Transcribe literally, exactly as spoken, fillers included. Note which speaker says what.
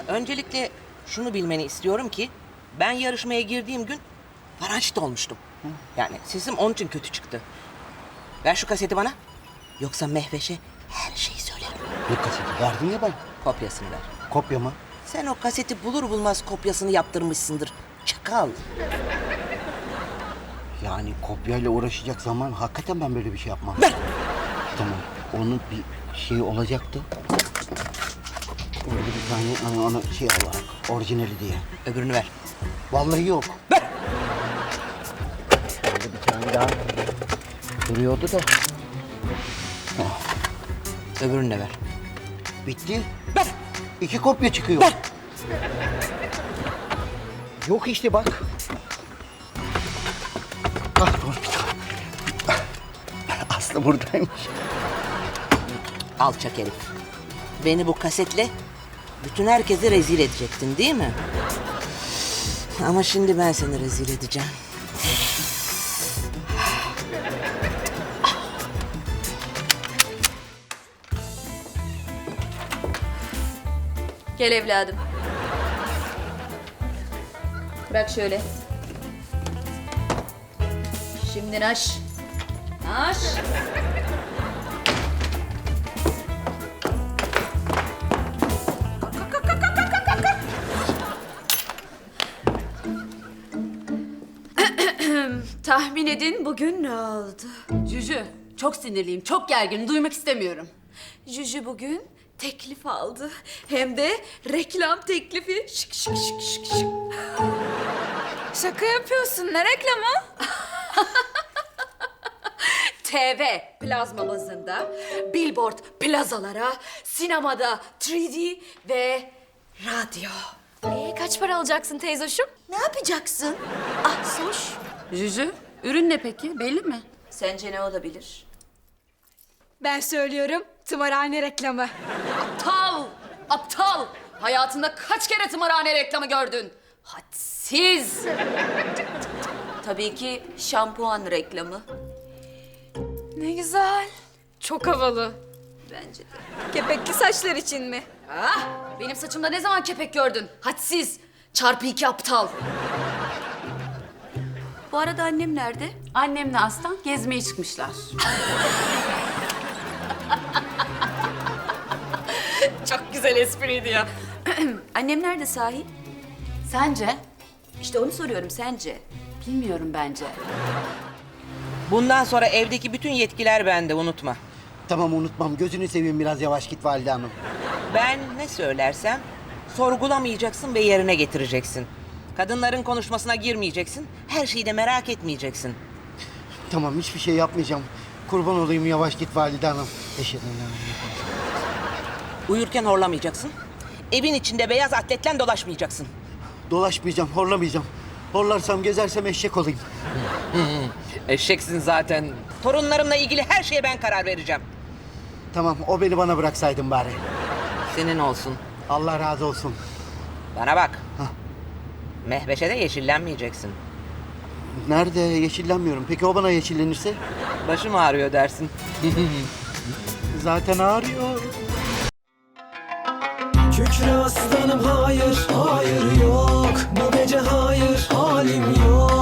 Speaker 1: Öncelikle şunu bilmeni istiyorum ki ben yarışmaya girdiğim gün parançit olmuştum. Yani sesim onun için kötü çıktı. Ver şu kaseti bana. Yoksa Mehveş'e her şeyi söylerim.
Speaker 2: Ne kaseti verdin ya ben?
Speaker 1: Kopyasını ver.
Speaker 2: Kopya mı?
Speaker 1: Sen o kaseti bulur bulmaz kopyasını yaptırmışsındır. Çakal.
Speaker 2: Yani kopyayla uğraşacak zaman hakikaten ben böyle bir şey yapmam.
Speaker 1: Ver.
Speaker 2: Tamam. Onun bir şey olacaktı. Orada bir tane onu, onu şey olarak orijinali diye.
Speaker 1: Öbürünü ver.
Speaker 2: Vallahi yok.
Speaker 1: Ver.
Speaker 2: Orada bir tane daha duruyordu da.
Speaker 1: Öbürünü de ver.
Speaker 2: Bitti.
Speaker 1: Ver.
Speaker 2: İki kopya çıkıyor.
Speaker 1: Ver.
Speaker 2: Yok işte bak. Ah dur bir tane. Aslı buradaymış.
Speaker 1: Alçak herif. Beni bu kasetle bütün herkese rezil edecektin değil mi? Ama şimdi ben seni rezil edeceğim.
Speaker 3: Gel evladım. Bırak şöyle. Şimdi naş. Naş. Tahmin edin bugün ne oldu?
Speaker 4: Cücü, çok sinirliyim, çok gerginim, duymak istemiyorum.
Speaker 3: Juju bugün teklif aldı. Hem de reklam teklifi. Şık şık şık şık şık.
Speaker 5: Şaka yapıyorsun. Ne reklamı?
Speaker 3: T V plazma bazında, billboard plazalara, sinemada üç D ve radyo.
Speaker 5: Ee, kaç para alacaksın teyzoşum?
Speaker 3: Ne yapacaksın? Ah Soş.
Speaker 4: Cücü, ürün ne peki, belli mi?
Speaker 3: Sence ne olabilir?
Speaker 5: Ben söylüyorum. Tımarhane reklamı.
Speaker 4: Aptal, aptal! Hayatında kaç kere tımarhane reklamı gördün? Hadsiz!
Speaker 3: Tabii ki şampuan reklamı.
Speaker 5: Ne güzel. Çok havalı.
Speaker 3: Bence de.
Speaker 5: Kepekli saçlar için mi?
Speaker 4: Ah, benim saçımda ne zaman kepek gördün? Hadsiz! Çarpı iki aptal.
Speaker 3: Bu arada annem nerede?
Speaker 4: Annemle Aslan gezmeye çıkmışlar.
Speaker 3: Çok güzel espriydi ya. Annem nerede sahi?
Speaker 4: Sence?
Speaker 3: İşte onu soruyorum, sence?
Speaker 4: Bilmiyorum bence.
Speaker 1: Bundan sonra evdeki bütün yetkiler bende, unutma.
Speaker 2: Tamam unutmam. Gözünü seveyim biraz yavaş git Valide Hanım.
Speaker 1: Ben ne söylersem sorgulamayacaksın ve yerine getireceksin. Kadınların konuşmasına girmeyeceksin. Her şeyi de merak etmeyeceksin.
Speaker 2: Tamam hiçbir şey yapmayacağım. Kurban olayım yavaş git Valide Hanım. Eşhedü en la
Speaker 1: Uyurken horlamayacaksın. Evin içinde beyaz atletle dolaşmayacaksın.
Speaker 2: Dolaşmayacağım, horlamayacağım. Horlarsam, gezersem eşek olayım.
Speaker 1: Eşeksin zaten. Torunlarımla ilgili her şeye ben karar vereceğim.
Speaker 2: Tamam, o beni bana bıraksaydın bari.
Speaker 1: Senin olsun.
Speaker 2: Allah razı olsun.
Speaker 1: Bana bak.
Speaker 2: Hah.
Speaker 1: Mehveş'e de yeşillenmeyeceksin.
Speaker 2: Nerede? Yeşillenmiyorum. Peki o bana yeşillenirse?
Speaker 1: Başım ağrıyor dersin.
Speaker 2: Zaten ağrıyor.
Speaker 6: Kükre aslanım hayır, hayır yok. Bu gece hayır, halim yok.